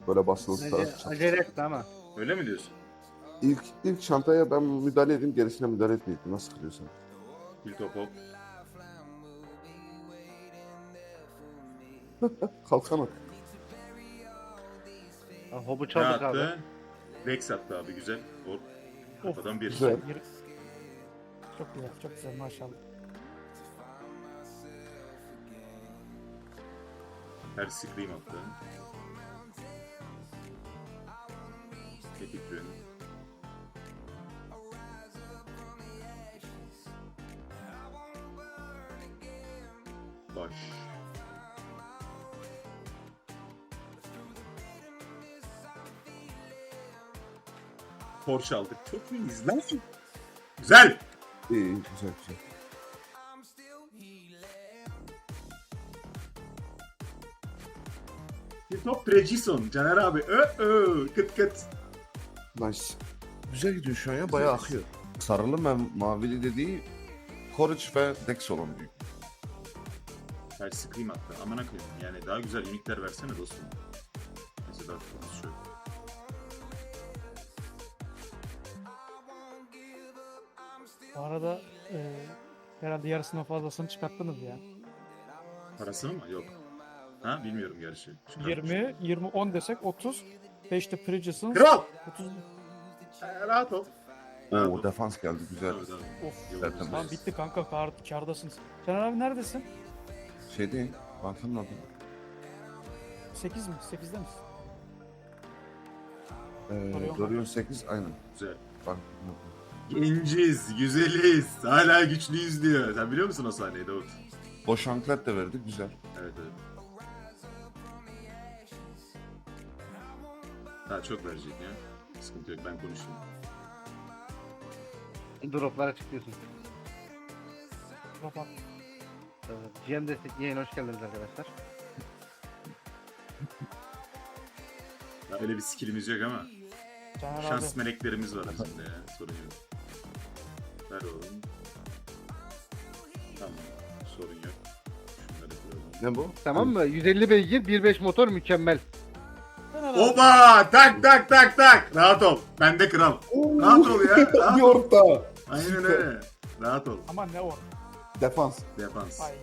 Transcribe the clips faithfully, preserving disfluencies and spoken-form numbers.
Böyle basılı Acele, tutarak. acele etti ama. Öyle mi diyorsun? İlk, ilk çantaya ben müdahale edeyim, gerisine müdahale etmeyeyim. Nasıl kılıyorsan. Bir top hop. Kalkan at. Ha, Hobu Ne çaldık abi. attı? Rex attı abi güzel. Hop. Kafadan bir. Güzel. Çok güzel, çok güzel maşallah. Her scream attı. Epic Rune. Baş. Porsche aldık. Çok iyiyiz lan. Güzel. İyi, iyi, güzel güzel. Bir top Trejison. Caner abi. Ö ö. Kıt kıt. Nice. Güzel gidiyor şu an ya, bayağı akıyor. Sarılı ve mavili dediği Courage ve Dex olan büyük. Her scream attı. Amına koyayım. Yani daha güzel unikler versene dostum. Neyse daha konuşuyor. Bu arada e, herhalde yarısından fazlasını çıkarttınız ya. Parasını mı? Yok. Ha bilmiyorum gerçi. Çıkarmış. yirmi, yirmi, on desek otuz. beşte Prigison. Kral! otuz. Ee, rahat ol. Rahat Oo, ol. defans geldi, güzel. Tabii, tabii. Of. Yolumuz Zaten Lan var. bitti kanka, kar, kardasınız. Caner abi neredesin? Şey değil, bankanın adı. sekiz mi? sekizde misin? Ee, Dorion Dorion sekiz, aynen. Güzel. Bankanın adı. Genciz, güzeliz, hala güçlüyüz diyor. Sen biliyor musun o sahneyi Davut? Boş anklet de verdi, güzel. Evet evet. Daha çok verecek ya. Sıkıntı yok, ben konuşayım. Droplara çıkıyorsun. Baba. Ee, G M Destek yayına hoş geldiniz arkadaşlar. Ya öyle bir skillimiz yok ama Caner şans abi. meleklerimiz var aslında ya. Sorun yok. Ver oğlum. Tamam, sorun yok. Şunları koyalım. Ne bu? Tamam mı? yüz elli beygir, bir nokta beş motor mükemmel. Caner abi. Oba! Tak tak tak tak! Rahat ol. Bende kral. Rahat ol ya. Rahat Bir ol. orta. Aynen öyle. Rahat ol. Aman ne o? Defans. Defans. Hayda.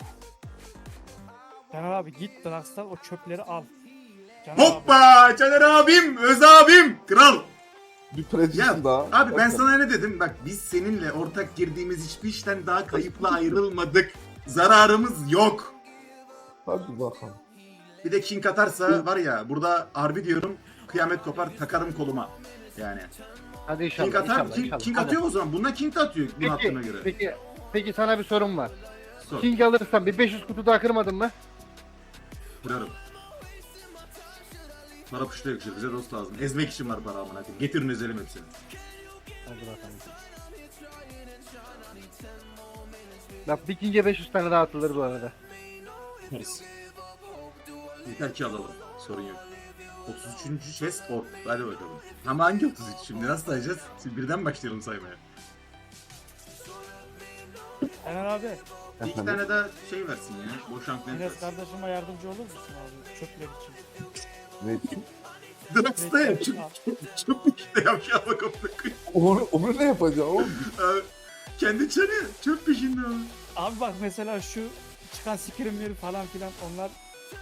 Caner abi git Drax'tan o çöpleri al. Caner abi. Hoppa! Caner abim, Öz abim, kral. Bir precision Ya daha. abi ben Bakın. sana ne dedim? Bak biz seninle ortak girdiğimiz hiçbir işten daha kayıpla ayrılmadık. Zararımız yok. Hadi bakalım. Bir de King atarsa var ya burada harbi diyorum kıyamet kopar takarım koluma. Yani. Hadi inşallah. King atar, inşallah, King, inşallah. King Hadi. atıyor o zaman. Bundan King de atıyor bunu Peki, attığına göre. peki, peki sana bir sorum var. Sor. King alırsan bir beş yüz kutu daha kırmadın mı? Kırarım. Para puşta yakışır. Bize dost lazım. Ezmek için var para amına koyayım. Getirin ezelim hepsini. Hadi bakalım. Bak bir King'e beş yüz tane daha atılır bu arada. Yaparız. Yeter ki alalım. Sorun yok. otuz üçüncü chest orb. Hadi bakalım. Ama hangi otuz üç şimdi? Nasıl sayacağız? Şimdi birden başlayalım saymaya. Caner abi. Bir iki tane daha şey versin ya. Boş anklet Enes versin. kardeşime yardımcı olur musun abi? Çöpler için. Ne için? Drax'ta yap. Çöp, çöp, çöp işte yap. Ya bak amına Onu, onu ne yapacağım oğlum? koyayım. Kendi çarı çöp peşinde abi. Abi bak mesela şu çıkan skrimleri falan filan onlar.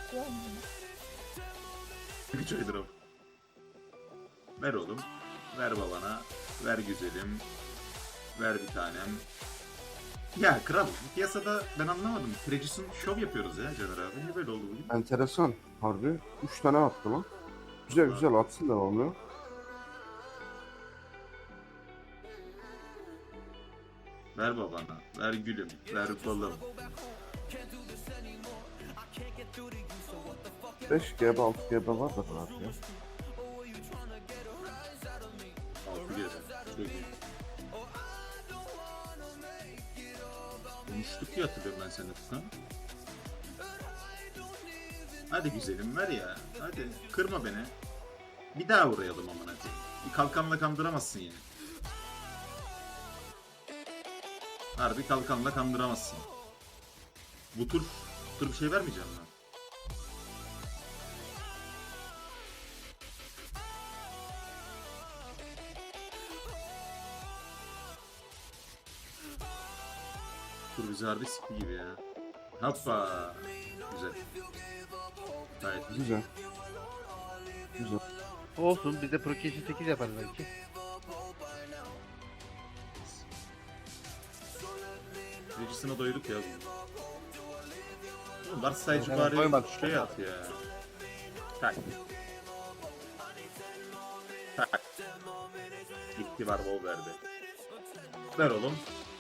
Güç aydır o. Ver oğlum. Ver babana. Ver güzelim. Ver bir tanem. Ya kral, piyasada ben anlamadım. Tregis'in şov yapıyoruz ya Caner abi. Niye böyle oldu bugün? Enteresan. Harbi. Üç tane attı lan. Güzel güzel atsın devamlı. Ver babana, ver gülüm, ver balım. beş G B altı G B var da rahat ya. Altı geri. Çok iyi. Konuştuk diye hatırlıyorum ben seninle Tukan. Hadi güzelim ver ya. Hadi kırma beni. Bir daha uğrayalım amına koyayım. Bir kalkanla kandıramazsın yine. Harbi kalkanla kandıramazsın. Bu tur, bu tur bir şey vermeyeceğim ben. Dur bizi harbi sikti gibi ya. Hoppa. Güzel. Gayet güzel. Güzel. Güzel. Olsun biz de Prokeş'i sekiz yaparız belki. Regisine doyduk ya. Oğlum Lars sayıcı Hemen bari koymadık. şey at ya. Tak. Tak. Gitti var bol verdi. Ver oğlum.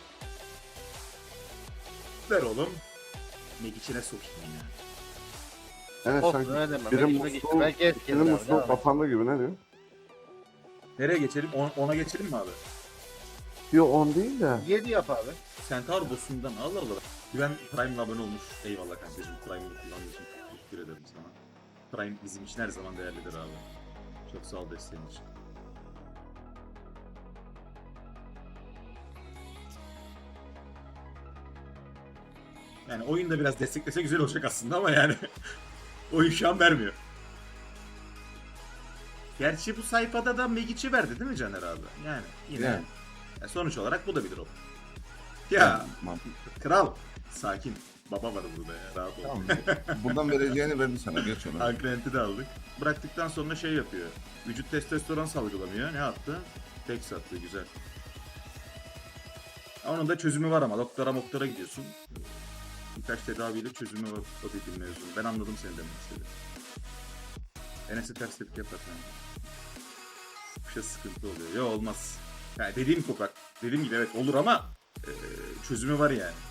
Ver oğlum. Mek içine sokayım ya. Evet Olsun sanki öyle deme. biri Ben içime geçtim. musluğu, Belki es birinin gelir abi. musluğu devam et. kapandı gibi, ne diyor? Nereye geçelim? On- ona geçelim mi abi? Yok on değil de. yedi yap abi. Centaur boss'undan Allah Allah. Güven Prime'la abone olmuş. Eyvallah kankacığım. Prime'ı kullandığın için teşekkür ederim sana. Prime bizim için her zaman değerlidir abi. Çok sağ ol desteğin için. Yani oyunda biraz desteklese güzel olacak aslında ama yani oyun şu an vermiyor. Gerçi bu sayfada da Megic'i verdi değil mi Caner abi? Yani yine Yani. ya sonuç olarak bu da bir drop. Ya Mantıklı. kral sakin. Baba var burada ya rahat ol. Tamam. Buradan vereceğini verdi sana, geç onu. Ankrenti de aldık. Bıraktıktan sonra şey yapıyor. Vücut testosteron salgılamıyor. Ne yaptı? Tek sattı güzel. Onun da çözümü var ama doktora doktora gidiyorsun. Birkaç tedaviyle çözümü var o dediğin mevzunu. Ben anladım seni demek istediğini. Enes'e ters tepki yapar yani. Bir şey sıkıntı oluyor. Ya olmaz. Yani dediğim koprak. Dediğim gibi evet olur ama e, çözümü var yani.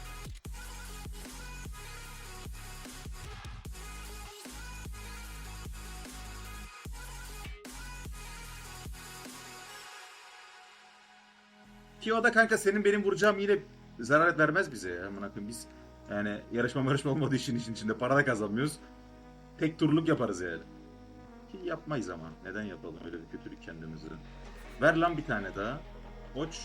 Ki o da kanka senin benim vuracağım yine zarar vermez bize ya. Amına koyayım biz yani yarışma yarışma olmadığı için işin içinde para da kazanmıyoruz. Tek turluk yaparız yani. Ki yapmayız ama. Neden yapalım öyle bir kötülük kendimize. Ver lan bir tane daha. Koç.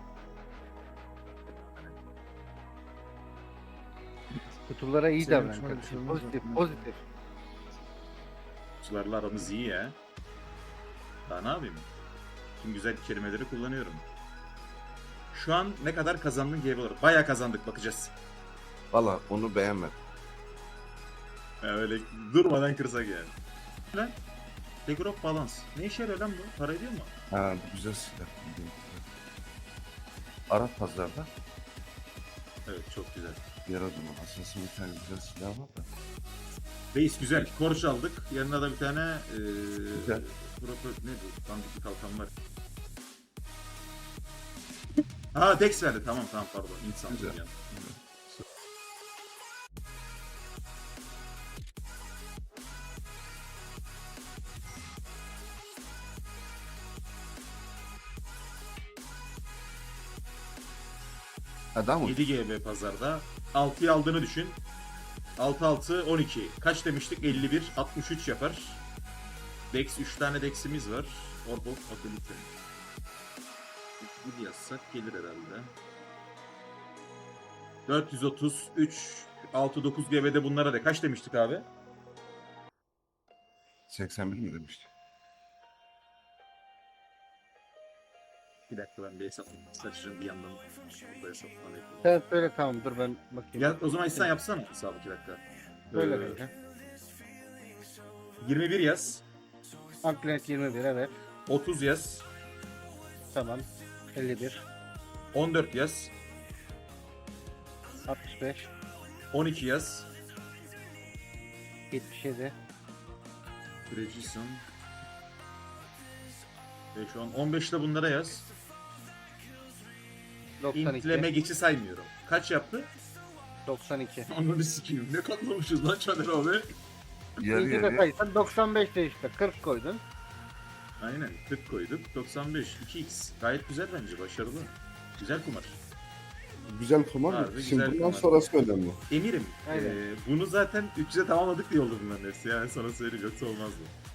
Kutulara iyi Senin davran şöyle bir kardeşim. şey Pozitif olmaz. pozitif. Sularla aramız iyi ya. Daha ne yapayım? Tüm güzel kelimeleri kullanıyorum. Şu an ne kadar kazandın G B olarak? Bayağı kazandık bakacağız. Valla onu beğenmedim. Ya öyle durmadan kırsak yani. Lan. Degrop Balance. Ne işe yarıyor lan bu? Para ediyor mu? Ha bu güzel silah. Arap pazarda Evet çok güzel. yer o zaman. Aslında bir tane güzel silah var da. Reis güzel. Korç aldık. Yanına da bir tane eee Güzel. proper ne bu? Dandik bir kalkan var. Ha Dex verdi. Tamam tamam pardon. İnsan Güzel. yani. Adam mı? yedi G B pazarda. altıyı aldığını düşün. altı altı on iki. Kaç demiştik? elli bir. altmış üç yapar. Dex üç tane Dex'imiz var. Orb of Ability. üç yazsak gelir herhalde. dört yüz otuz üç altı dokuz G B'de bunlara da kaç demiştik abi? seksen bir mi demişti? Bir dakika ben bir hesaplayayım. Saçacağım bir yandan. Burada hesaplama yapayım. Sen söyle tamam dur ben bakayım. Ya, o zaman sen yapsana hesabı iki dakika. Söyle Ee, kanka. yirmi bir yaz. Anklet yirmi bir evet. otuz yaz. Tamam. elli bir. on dört yaz. altmış beş. on iki yaz. yetmiş yedi. Precision. beş on. on beşte bunlara yaz. doksan İntleme iki. geçi saymıyorum. Kaç yaptı? doksan iki. Ananı sikeyim. Ne katlamışız lan Caner abi. Yarı İkinci de yarıya. saysan doksan beş de işte kırk koydun. Aynen. kırk koyduk. doksan beş. iki x. Gayet güzel bence. Başarılı. Güzel kumar. Güzel kumar. Harbi Şimdi güzel bundan kumar. sonrası önemli. Emirim. Aynen. eee, bunu zaten üç yüze tamamladık diye oldu bunların hepsi. Yani sana söyleyeyim. Yoksa olmazdı.